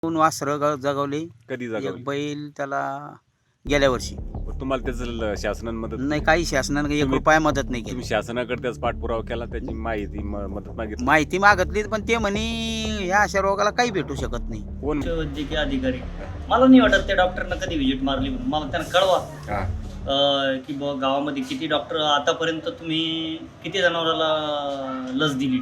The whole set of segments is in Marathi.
2 वासरं जगवले. कधी एक जागवली? बैल त्याला गेल्या वर्षी. तुम्हाला त्याचं शासनाने मदत नाही, काही शासनाने 1 तुम्ही- रुपया मदत नाही केली. तुम्ही शासनाकडे त्याचा पाठपुरावा केला, त्याची माहिती मदत मागितली? माहिती मागितली पण ते म्हणे ह्या अशा रोगाला काही भेटू शकत नाही. कोण? वैद्यकीय अधिकारी. मला नाही वाटत त्या डॉक्टरना कधी व्हिजिट मारली म्हणून. मला त्यांना कळवा हा. की बुवा गावामध्ये किती डॉक्टर आतापर्यंत तुम्ही किती जनावराला लस दिली.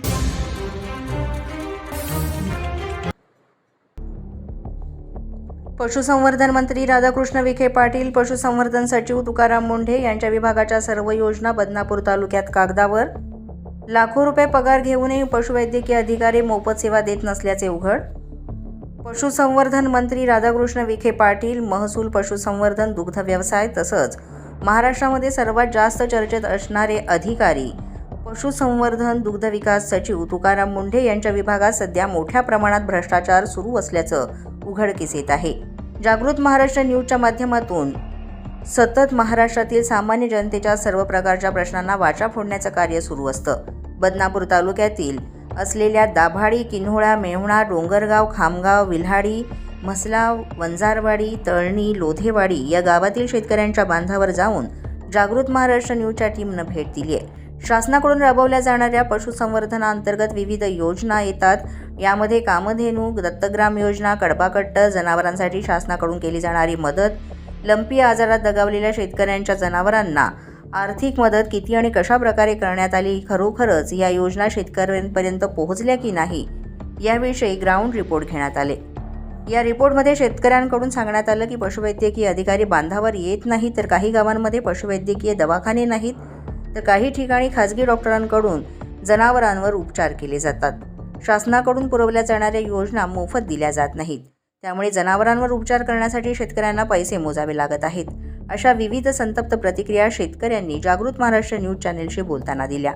पशुसंवर्धन मंत्री राधाकृष्ण विखे पाटील, पशुसंवर्धन सचिव तुकाराम मुंढे यांच्या विभागाच्या सर्व योजना बदनापूर तालुक्यात कागदावर. लाखो रुपये पगार घेऊनही पशुवैद्यकीय अधिकारी मोफत सेवा देत नसल्याचे उघड. पशुसंवर्धन मंत्री राधाकृष्ण विखे पाटील, महसूल, पशुसंवर्धन, दुग्ध व्यवसाय तसंच महाराष्ट्रामध्ये सर्वात जास्त चर्चेत असणारे अधिकारी पशुसंवर्धन दुग्ध विकास सचिव तुकाराम मुंढे यांच्या विभागात सध्या मोठ्या प्रमाणात भ्रष्टाचार सुरू असल्याचं उघडकीस येत आहे. जागृत महाराष्ट्र न्यूजच्या माध्यमातून सतत महाराष्ट्रातील सामान्य जनतेच्या सर्व प्रकारच्या प्रश्नांना वाचा फोडण्याचं कार्य सुरू असतं. बदनापूर तालुक्यातील असलेल्या दाभाडी, किन्होळा, मेहुणा, डोंगरगाव, खामगाव, विल्हाडी, म्हसलाव, वंजारवाडी, तळणी, लोधेवाडी या गावातील शेतकऱ्यांच्या बांधावर जाऊन जागृत महाराष्ट्र न्यूजच्या टीमनं भेट दिली आहे. शासनाकडून राबवल्या जाणाऱ्या पशुसंवर्धनाअंतर्गत विविध योजना येतात. यामध्ये कामधेनू, दत्तग्राम योजना, कडबाकट्ट, जनावरांसाठी शासनाकडून केली जाणारी मदत, लंपी आजारात दगावलेल्या शेतकऱ्यांच्या जनावरांना आर्थिक मदत किती आणि कशा प्रकारे करण्यात आली, खरोखरच या योजना शेतकऱ्यांपर्यंत पोहोचल्या की नाही याविषयी ग्राउंड रिपोर्ट घेण्यात आले. या रिपोर्टमध्ये शेतकऱ्यांकडून सांगण्यात आलं की पशुवैद्यकीय अधिकारी बांधावर येत नाहीत, तर काही गावांमध्ये पशुवैद्यकीय दवाखाने नाहीत, तर काही ठिकाणी खाजगी डॉक्टरांकडून जनावरांवर उपचार केले जातात. शासनाकडून पुरवल्या जाणाऱ्या योजना मोफत दिल्या जात नाहीत, त्यामुळे जनावरांवर उपचार करण्यासाठी शेतकऱ्यांना पैसे मोजावे लागत आहेत. अशा विविध संतप्त प्रतिक्रिया शेतकऱ्यांनी जागृत महाराष्ट्र न्यूज चॅनेलशी बोलताना दिल्या.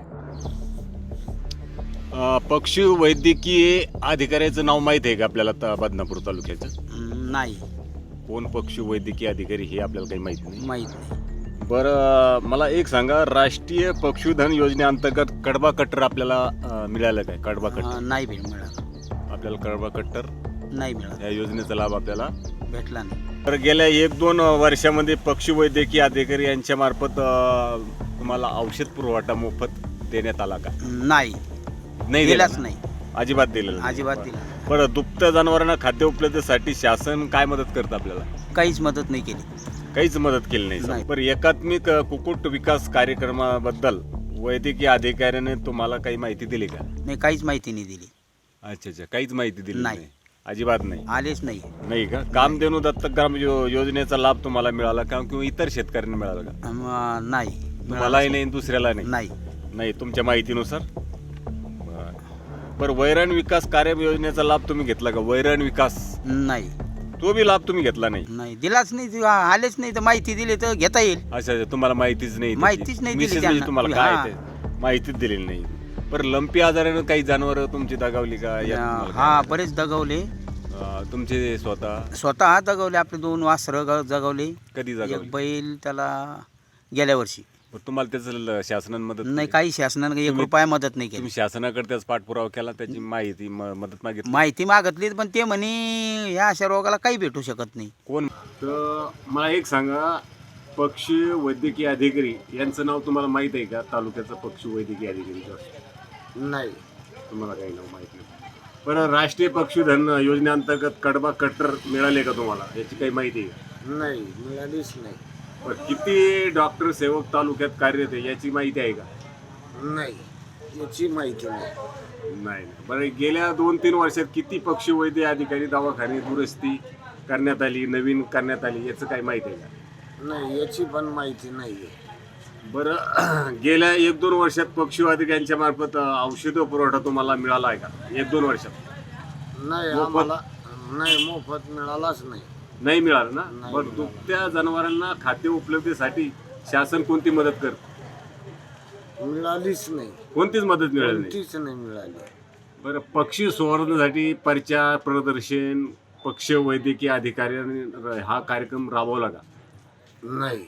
पशुवैद्यकीय अधिकाऱ्याचं नाव माहीत आहे का आपल्याला बदनापूर तालुक्याचं? नाही, कोण पशुवैद्यकीय अधिकारी हे आपल्याला काही माहिती नाही. माहीत नाही. बरं, मला एक सांगा, राष्ट्रीय पशुधन योजनेअंतर्गत कडबा कट्टर आपल्याला मिळालं काय? कडबा कट्टर नाही मिळाला. आपल्याला कडबा कट्टर नाही मिळाला, या योजनेचा लाभ आपल्याला भेटला नाही. तर गेल्या 1-2 वर्षामध्ये पशुवैद्यकीय अधिकारी यांच्या मार्फत तुम्हाला औषध पुरवठा मोफत देण्यात आला का? नाही, नाही दिलाच दिला ना? नाही, अजिबात दिलेलं नाही. अजिबात दिला. बरं, दुभत्या जनावरांना खाद्य उपलब्धतेसाठी शासन काय मदत करतं आपल्याला? काहीच मदत नाही केली. काहीच मदत केली नाही. नाही. बरं, एकात्मिक कुक्कुट विकास कार्यक्रमाबद्दल वैद्यकीय अधिकाऱ्याने तुम्हाला काही माहिती दिली का? नाही, काहीच माहिती नाही दिली. अच्छा, काहीच माहिती दिली नाही. नाही? अजिबात नाही. आलेच नाही. नाही का? कामधेनू दत्तग्राम योजनेचा लाभ तुम्हाला मिळाला का, किंवा इतर शेतकऱ्यांना मिळाला का? नाही, मलाही नाही, दुसऱ्याला नाही. नाही. नाही, तुमच्या माहितीनुसार. बरं, वैरण विकास कार्य योजनेचा लाभ तुम्ही घेतला का? वैरण विकास, नाही, तो बी लाभ तुम्ही घेतला नाही? नाही दिलाच नाही. आलेच नाही, तर माहिती दिली तर घेता येईल. अच्छा, तुम्हाला माहितीच नाही? माहितीच नाही दिली विशेष म्हणजे त्यांना. तुम्हाला काय हा. ते माहितीच दिलेली नाही. बरं, लंपी आजारानं काही जनावर तुमची दगावली का? यात तुम्हाला हा, काय? बरेच दगवले. तुमचे स्वतः दगवले. आपले 2 वासरं जगवले. कधी एक जगावली? बैल त्याला गेल्या वर्षी. तुम्हाला त्याचं शासनाने मदत नाही, केली? काही शासनाने 1 तुम्ही- रुपया मदत नाही केली. तुम्ही शासनाकडे त्याचा पाठपुरावा केला, त्याची माहिती मदत मागितली? माहिती मागितली पण ते म्हणे ह्या अशा रोगाला काही भेटू शकत नाही. कोण? तर मला एक सांगा, पक्षी वैद्यकीय अधिकारी यांचं नाव तुम्हाला माहित आहे का? तालुक्याचा पक्षी वैद्यकीय अधिकारी नाही, तुम्हाला काही नाव माहित नाही. बरं, राष्ट्रीय पशुधन योजनेअंतर्गत कडबा कट्टर मिळाले का तुम्हाला? याची काही माहिती आहे का? नाही, मिळालीच नाही. बरं, किती डॉक्टर सेवक तालुक्यात कार्यरत आहे याची माहिती आहे का? नाही, याची माहिती नाही. नाही. बरं, गेल्या 2-3 वर्षात किती पक्षी वैद्य अधिकारी दवाखाने दुरुस्ती करण्यात आली, नवीन करण्यात आली, याचं काही माहिती आहे का? नाही, याची पण माहिती नाही. बरं, गेल्या 1-2 वर्षात पक्षी अधिकाऱ्यांच्या मार्फत औषध पुरवठा तुम्हाला मिळाला आहे का? 1-2 वर्षात नाही, मोफत? आम्हाला नाही, मोफत मिळालाच नाही. नाही मिळालं ना? नाही बरं, मिळालं. दुभत्या जनावरांना खाद्य उपलब्धतेसाठी शासन कोणती मदत करतं? मिळालीच नाही. कोणतीच मदत मिळाली नाही. कोणतीच नाही मिळाली. बरं, पक्षी संवर्धनासाठी प्रचार, प्रदर्शन पक्षी वैद्यकीय अधिकाऱ्यांनी हा कार्यक्रम राबवला का? नाही.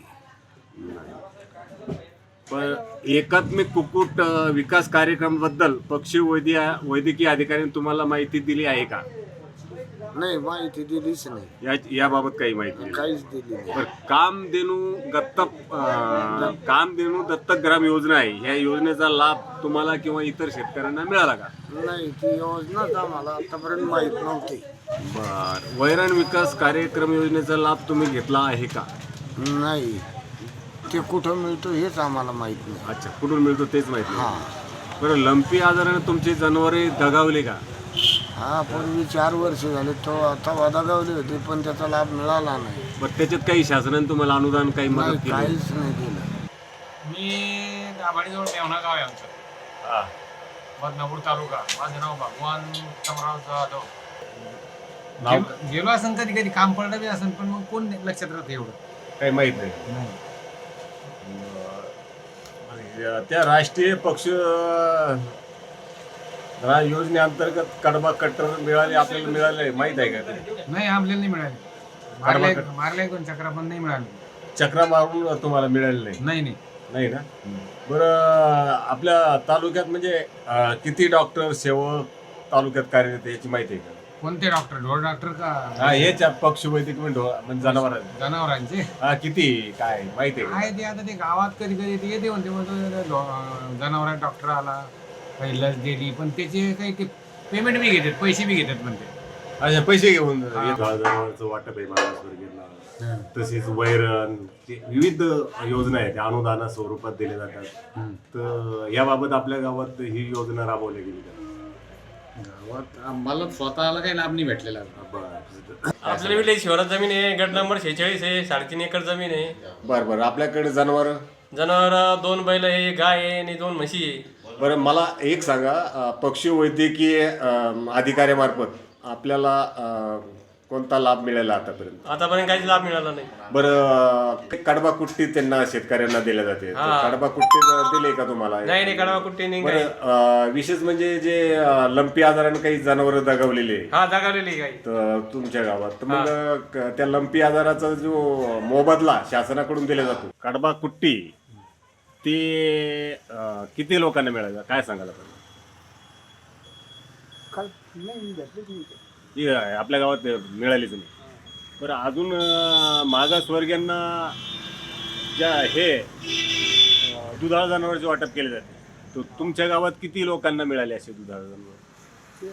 पण एकात्मिक कुक्कुट विकास कार्यक्रमाबद्दल पक्षी वैद्यकीय अधिकाऱ्यांनी तुम्हाला माहिती दिली आहे का? नाही माहिती दिलीच नाही, याबाबत काही माहिती नाही. काहीच दिली नाही. बरं, कामधेनू दत्तक ग्राम योजना आहे, ह्या योजनेचा लाभ तुम्हाला किंवा इतर शेतकऱ्यांना मिळाला का? नाही, ती योजनाच आम्हाला आतापर्यंत माहीत नव्हती. बर, वैरण विकास कार्यक्रम योजनेचा लाभ तुम्ही घेतला आहे का? नाही, ते कुठं मिळतो हेच आम्हाला माहीत नाही. अच्छा, कुठून मिळतो तेच माहिती नाही. हां बरं, लंपी आजाराने तुमचे जनावरे दगावले का? हा, पूर्वी 4 वर्ष झाले तो आता वदागावले होते, पण त्याचा लाभ मिळाला नाही. बरं, त्याच्यात काही शासनाने तुम्हाला अनुदान काही नाही, मदत केली? काहीच नाही दिलं. मी दाभाडीजवळ मेवणा गाव आहे आमचं, हा. बदनापूर तालुका. माझं नाव भगवान उत्तमराव जाधव. नाव? गेलो असेल कधी कधी काम पडलं बी असेल, पण मग कोण लक्षात राहतं एवढं. काही माहित नाही. त्या राष्ट्रीय पक्ष योजनेअंतर्गत कडबा कट्टर मिळाले, आपल्याला मिळाले माहित आहे का ते? नाही, आपल्याला नाही मिळाले. मारले 2 चक्रा पण नाही मिळाले. चक्रा मारून तुम्हाला मिळाले नाही? नाही नाही नाही ना. बरं, आपल्या तालुक्यात म्हणजे किती डॉक्टर सेवक तालुक्यात कार्यरत आहे याची माहिती आहे का? कोणते डॉक्टर? ढोर डॉक्टर का हा, हेच पशुवैद्यक म्हणजे जनावरांचे. जनावरांचे? हा, किती काय माहिती आहे का? काय ते आता ते गावात कधी कधी ते येते म्हणते, जनावरांचा डॉक्टर आला, काही लस दिली, पण त्याचे काही ते पेमेंट बी घेतात, पैसे बी घेतात म्हणते. अच्छा, पैसे घेऊन जनावरांचं वाटप आहे मागासवर्गीयांना, तसेच वैरण, ते विविध योजना आहेत त्या अनुदाना स्वरूपात दिल्या जातात. तर याबाबत आपल्या गावात ही योजना राबवली गेली का? गावात आम्हाला स्वतःला काही लाभ नाही भेटलेला. आपल्याला विलेज शिवारात जमीन आहे, गट नंबर 46 आहे, 3.5 एकर जमीन आहे. बरं बरं, आपल्याकडे जनावर 2 बैल आहे, गाय आहे आणि 2 म्हशी आहे. बरं, मला एक सांगा, पशुवैद्यकीय अधिकाऱ्यामार्फत आपल्याला कोणता लाभ मिळाला आतापर्यंत? आतापर्यंत काहीच लाभ मिळाला नाही. बरं, कडबा कुट्टी त्यांना शेतकऱ्यांना दिल्या जाते, कडबा कुट्टी दिले का तुम्हाला? नाही, कडवा कुट्टी नाही. बरं, विशेष म्हणजे जे लंपी आजाराने काही जनावर दगावलेले हा, दगावलेली गाई तर तुमच्या गावात, तर मग त्या लंपी आजाराचा जो मोबदला शासनाकडून दिला जातो, कडबा कुट्टी, ते किती लोकांना मिळालं काय सांगायला पाहिजे? आपल्या गावात मिळालीच नाही. बरं, अजून मागासवर्गीयांना ज्या हे दुधाळ जनावरांचे वाटप केले जाते, तर तुमच्या गावात किती लोकांना मिळाले असे दुधाळ जनावर?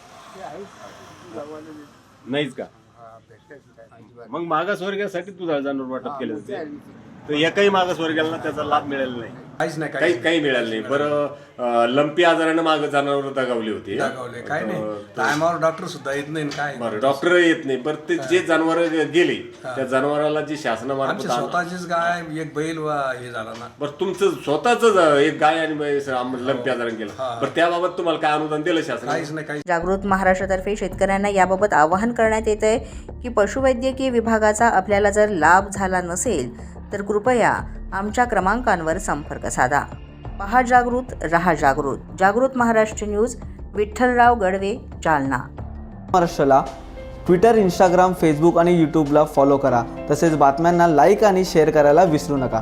नाहीच का? मग मागासवर्गीयासाठी दुधाळ जनावर वाटप केले जाते, तर एकाही मागासवर्गीयाला त्याचा लाभ मिळाला नाही? काहीच नाही, काही मिळालं नाही. बरं, लंपी आजारानं माग जनावर दगावली होती, काय नाही, टायमावर डॉक्टर सुद्धा येत नाही. काय बरं, डॉक्टर येत नाही. बरं, ते जे जनावर गेली त्या जनावराला जी शासनामार्फत स्वतःचीच गाय, एक बैल हे झाला ना. बरं, तुमचं स्वतःच एक गाय आणि लंपी आजारानं गेलं, बरं, त्याबाबत तुम्हाला काय अनुदान दिलं शासन? काहीच नाही. जागृत महाराष्ट्रातर्फे शेतकऱ्यांना याबाबत आवाहन करण्यात येत आहे की पशुवैद्यकीय विभागाचा आपल्याला जर लाभ झाला नसेल तर कृपया आमच्या क्रमांकांवर संपर्क साधा. पहा जागृत, रहा जागृत. जागृत महाराष्ट्र न्यूज, विठ्ठलराव गडवे, जालना. महाराष्ट्राला ट्विटर, इंस्टाग्राम, फेसबुक आणि यूट्यूबला फॉलो करा. तसेच बातम्यांना लाईक आणि शेअर करायला विसरू नका.